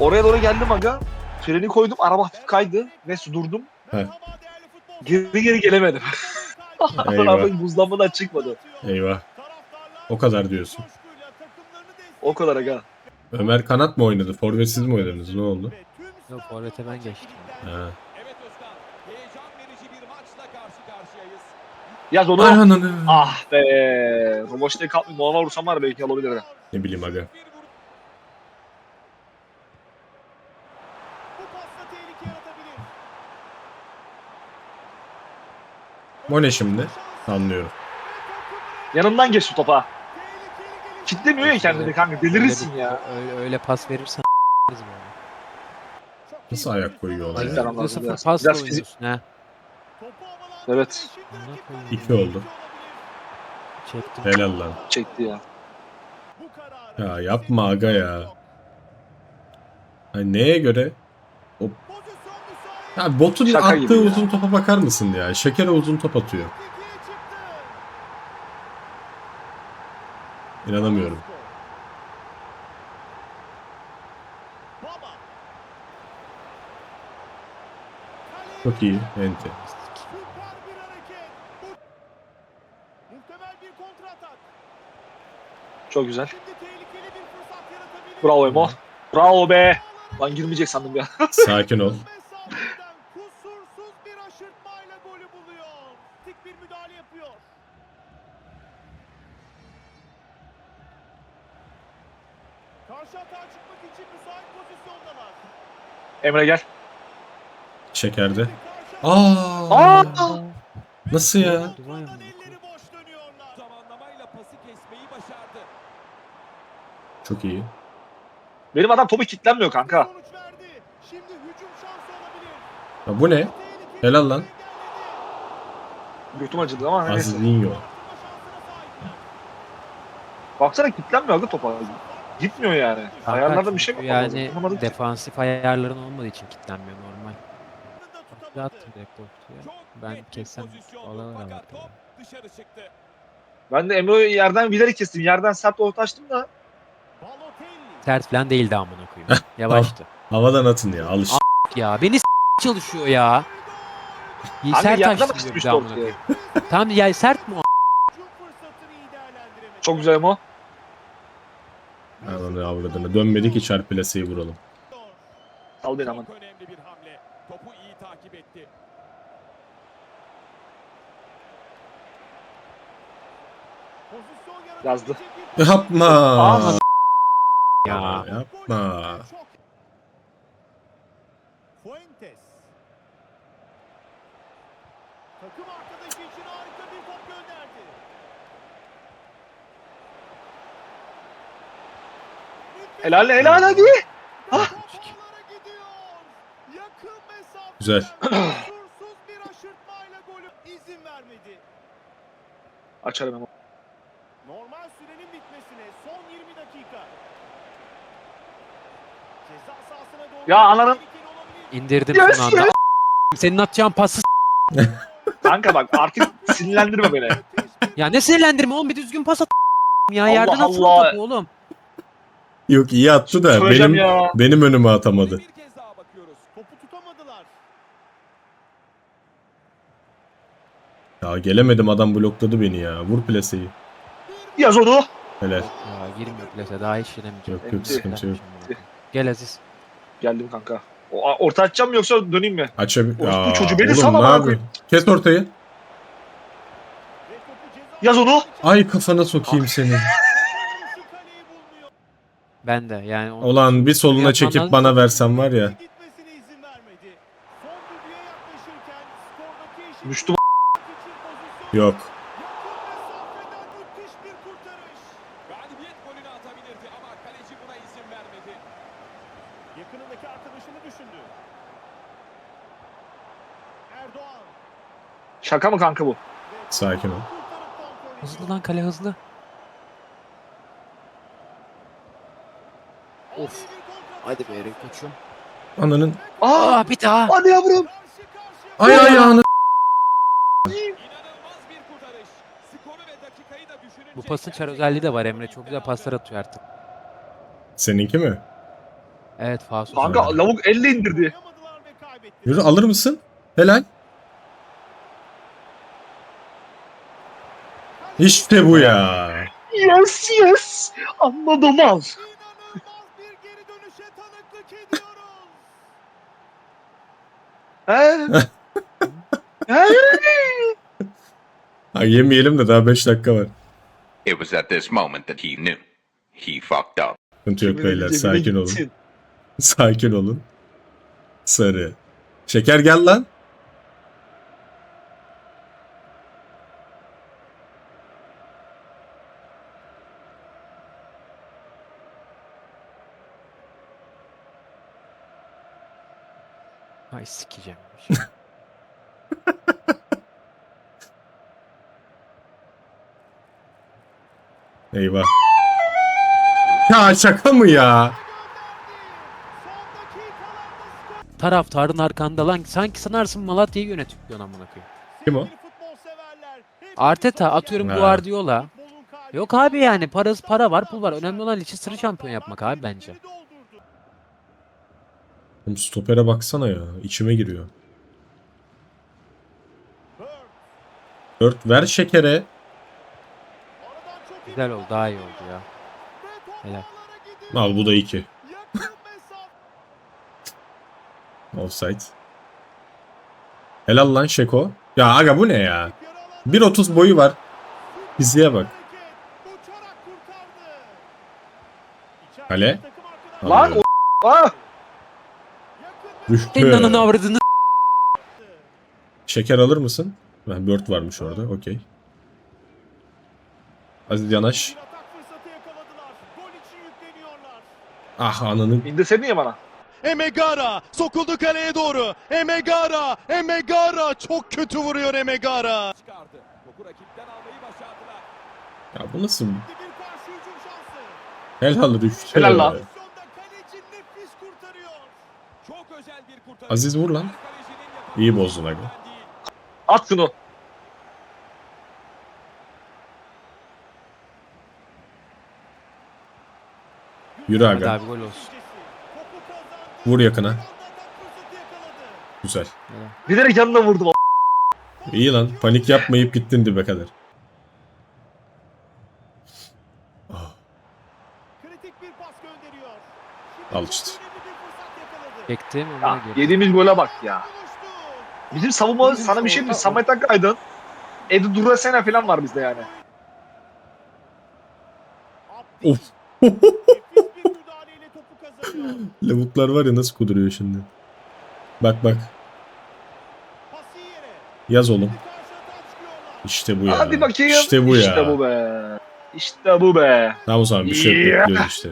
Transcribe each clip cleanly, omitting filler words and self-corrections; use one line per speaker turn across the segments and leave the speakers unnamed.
Oraya doğru geldim aga. Freni koydum. Araba hafif kaydı. Neyse durdum.
Heh.
Geri gelemedim.
Eyvah.
Araba buzlanmadan çıkmadı.
Eyvah. O kadar diyorsun.
O kadar aga.
Ömer kanat mı oynadı? Forvetsiz mi oynadınız? Ne oldu?
Yok forvete ben geçtim.
Ha.
Yaz onu.
Ananı.
Ah be. Roboş'ta kalkmayayım. Normal vursam var ya belki alabilir.
Ne bileyim aga. O ne şimdi? Anlıyorum.
Yanından geç şu topa. Kitlemiyor ya kendini kanka. Delirirsin ya.
Öyle pas verirsen böyle.
Nasıl ayak koyuyor ona
Ay,
ya?
sen anladın.
%0
Biraz-
pasla
biraz fizik-
oynuyorsun ha.
Evet.
Amına koyayım.
2 oldu.
Çektim.
Helal lan.
Çekti ya.
Ya yapma aga ya. Hani neye göre? O... Ya botun
Şaka
attığı
gibi ya.
uzun topa bakar mısın ya? Şeker'e uzun top atıyor. İnanamıyorum. Çok iyi. Ente.
Çok güzel. Bravo Emo. Bravo be. Lan girmeyecek sandım ya.
Sakin ol.
Kusursuz bir aşırtmayla golü buluyor. Tek bir müdahale yapıyor. Karşı atağa çıkmak için müsait pozisyondalar.
Emre gel.
Şeker'de.
Karşı
Aa! Nasıl ya?
Vay amına
elleri boş dönüyorlar.
Zamanlamayla pası kesmeyi başardı.
Çok iyi.
Benim adam topu kilitlenmiyor kanka.
Sonuç verdi. Şimdi hücum şansı olabilir.
Ya bu ne? Helal lan.
Götüm acıdı ama neyse.
Azizinho.
Baksana kilitlenmiyor aga topa. Gitmiyor yani. Ayarlarda bir şey mi yapmamız
Yani
lazım? Anlamadım ki.
defansif ayarların olmadığı için kilitlenmiyor normal. Bir attım direkt ortaya.
Çok
Ben
net bir
kessem
pozisyondu.
alana
Fakat
bak.
top dışarı çıktı.
Ben de Emre'yi yerden bilerek kestim. Yerden sert orta açtım da.
Balotelli.
Sert falan değildi amına koyayım. Yavaştı.
Havadan atın ya. Alış.
Ya beni çalışıyor ya. İyi
Hani
sert
yerden
açtı diyor bir
açmıştı
de amına
ortaya.
koyayım. Tamam ya sert mi o?
Hücum fırsatını iyi değerlendiremedi.
Çok güzel Emo.
Ananı avradını. Dönmedik hiç plaseyi vuralım.
Sal beni aman.
Çok önemli bir hamle. Topu iyi takip etti.
Pozisyon
Yazdı.
yaratabilecek bir-
Yapma.
Aa.
Ya.
Yapma.
Çok- Fuentes. Takım arkadaşı için harika bir top gönderdi.
Helal helal hadi.
Havalara gidiyor. Yakın mesafe.
Güzel.
Kusursuz bir aşırtmayla golü izin vermedi.
Açarım Emo.
Normal sürenin bitmesine son 20 dakika. Ceza sahasına doğru
Ya ananın-
tehlikeli olabilir.
İndirdim
Yes,
son anda. Senin atacağın pası
Kanka bak artık sinirlendirme beni.
ya ne sinirlendirme oğlum bir düzgün pas at ya
Allah
yerden atsın
Allah.
topu oğlum.
Yok iyi attı da
Söyleyeceğim
benim
ya.
benim önüme atamadı.
Bir kez daha bakıyoruz.
Topu tutamadılar.
Ya gelemedim adam blokladı beni ya. Vur plaseyi.
Yaz onu.
Helal.
Ya girmiyor plase daha hiç giremeyeceğim.
Yok yok sıkıntı yok.
Gel Aziz.
Geldim kanka. Orta açacağım mı yoksa döneyim mi?
Açabilir.
Orospu
Aa,
çocuğu, beni
oğlum
sal
ne
amına
yapıyorsun? Kes ortayı.
Ve topu ceza
Yaz onu.
Ay kafana sokayım seni.
kaleyi bulunuyor.
Ben de yani onu
Ulan bir soluna
yapman
çekip
lazım.
bana versen var ya.
Gitmesine izin vermedi. Son düdüğe yaklaşırken skordaki eşit
Düştüm.
için pozisyon
Yok.
yakın mesafeden müthiş bir kurtarış.
Galibiyet golünü atabilirdi ama kaleci buna izin vermedi.
Yakınındaki arkadaşını düşündü. Erdoğan.
Şaka mı kanka bu?
Sakin ol.
Kurtarıp kontrol ediyor.
hızlı lan kale hızlı. Of. Hadi be Erik koçum.
Ananın.
Aa!
Bir daha.
Hadi yavrum.
Karşı karşıya
Ay ayağını.
İnanılmaz bir kurtarış. Skoru ve dakikayı da düşününce
Bu pasın çar özelliği de var Emre. Çok güzel paslar atıyor artık.
Seninki mi?
Evet Fasus.
Kanka lavuk elle indirdi.
Yapamadılar ve kaybettiler.
Yürü alır mısın? Helal. İşte bu ya.
Yes yes. Anladım al.
İnanılmaz bir geri dönüşe tanıklık ediyoruz.
He? He?
Ha, yemeyelim de daha 5 dakika var.
It was at this moment that he knew. He fucked up.
Sıkıntı yok
Cebine
beyler,
cebine
sakin olun.
gitsin.
Sakin olun. Sarı. Şeker gel lan.
Ay sikeceğim.
Eyvah. Ya şaka mı ya?
Son dakikalarda skor.
Taraftarın arkanda lan. Sanki sanarsın Malatya'yı yönetiyor amına koyayım.
Kim o?
Sevgili futbol severler, hepiniz
Arteta
hoş
atıyorum
Ha.
Guardiola.
Futbolun kalbi-
Yok abi yani para var pul var. Önemli olan Leicester'ı şampiyon yapmak abi bence.
Doldurdu.
Oğlum stopere baksana ya. İçime giriyor.
Bird.
4 ver şekere.
Aradan çok iyi
Güzel oldu daha iyi oldu ya.
ve top
Helal.
ağlara gidiyor.
Al bu da 2.
Yakın mesafe.
Offside. Helal lan Şeko. Ya aga bu ne ya?
Yarı alanda
1.30 boyu var. Fiziğe bak.
hareket. Uçarak kurtardı. İçeride
Kale.
takım arkadaşı-
Lan o... Ah!
Düştü.
Senin ananı avradını
Şeker alır mısın? Ben Bird varmış orada. Okey. Aziz Yanaş.
Bir atak fırsatı yakaladılar. Gol için yükleniyorlar.
Ah ananın.
İndirsene ya bana.
Emegara sokuldu kaleye doğru. Emegara çok kötü vuruyor Emegara.
Çıkardı. Topu rakipten almayı başardılar.
Ya bu nasıl?
Bir karşı hücum şansı.
Helal düştü.
Helal lan.
Pozisyonda kaleci nefis kurtarıyor.
Çok özel bir kurtarış.
Aziz vur lan.
Kalecinin yapabileceği
İyi bozdun aga.
değil.
At şunu.
Yürü
Hadi
aga.
abi gol olsun.
Topu kazandı.
Vur yakına.
Atak fırsatı yakaladı.
Güzel.
Bilerek yanına vurdum.
İyi lan. Panik yapmayıp gittin dibe kadar.
Kritik bir pas gönderiyor. Şimdi
Al işte.
çok önemli bir fırsat yakaladı.
Çektim ama
Ya
girdi.
yediğimiz gole bak ya.
Buluştu.
Bizim savunma sana bir şey mi? Samet Akaydın. Edu Durasena falan var bizde yani.
Abdi.
Of.
Nefis bir müdahaleyle topu kazanıyor.
Lavuklar var ya nasıl kuduruyor şimdi. Bak bak.
Pası yere.
Yaz oğlum.
Karşı atağa çıkıyorlar.
İşte bu ya.
Hadi bakayım.
İşte bu ya.
İşte bu be. İşte bu be.
Tamam o zaman bir şey
Yeah.
bekliyoruz işte.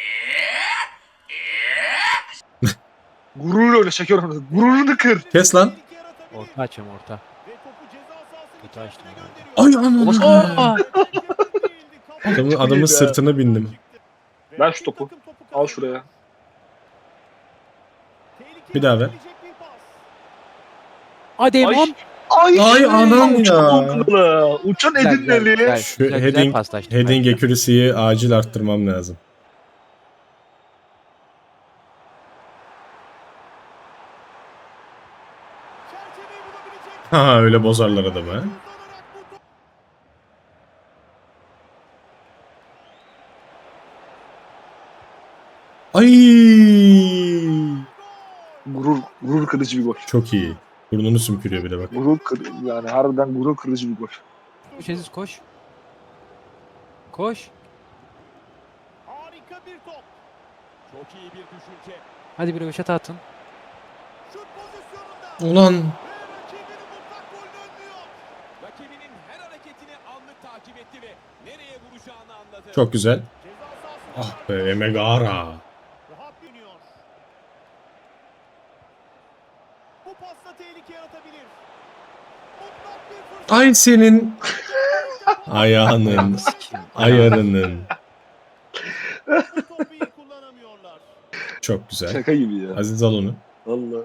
Gurur öyle şeker onu. Gururunu kır.
Kes lan.
Tehlike yaratabilir.
Orta açayım orta.
Ve topu ceza sahasının
Kötü açtım
içerisine
herhalde.
gönderiyor.
Ay ananı. Adamın
be.
sırtına bindim.
Ver şu topu. Al şuraya.
Bir daha ver.
Hadi
Ay.
Emon.
Ay,
anam
uçan
ya.
okulu. Uçan
Güzel,
Edin'in
güzel,
eli.
güzel.
Şu
Güzel
heading,
paslaştık
heading
bence.
accuracy'yi acil arttırmam lazım.
Çerçeveyi bulabilecek.
Ha öyle bozarlar adamı ha.
Uzanarak bu top-
Ay
Gurur kırıcı bir gol.
çok iyi. Burnunu sümkürüyor bir de bak.
Yani harbiden gurur kırıcı bir gol.
Koş Aziz koş. Koş.
Harika bir top.
Çok iyi bir düşünce.
Hadi bir röveşata atın.
Şut pozisyonunda.
Ulan
Ve rakibini mutlak golünü önlüyor.
Rakibinin her hareketini anlık takip etti ve nereye vuracağını anladı.
çok güzel.
Ceza sahasında
Ah be Emegara.
rahat dönüyor. Bu pasla tehlike yaratabilir. Mutlak bir fırsat.
Ay senin ayağının,
Sikeyim.
ayarının.
Bu topu iyi kullanamıyorlar.
Çok güzel.
Şaka gibi ya.
Aziz al onu.
Valla.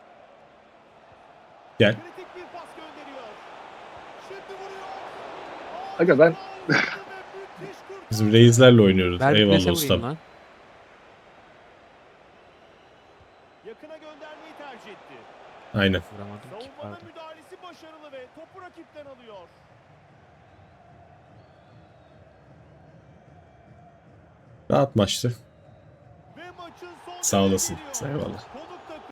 Gel.
Kritik bir pas gönderiyor. Şimdi vuruyor.
Aga ben
Bizim reislerle oynuyoruz.
Ver bir
Eyvallah
plase
ustam.
vurayım lan.
Yakına göndermeyi tercih etti.
Aynen.
Vuramadım ki,
Savunmanın
pardon.
müdahalesi başarılı ve topu rakipten alıyor.
Rahat maçtı.
Ve maçın son
Sağ olasın.
düdüğü geliyor.
Eyvallah.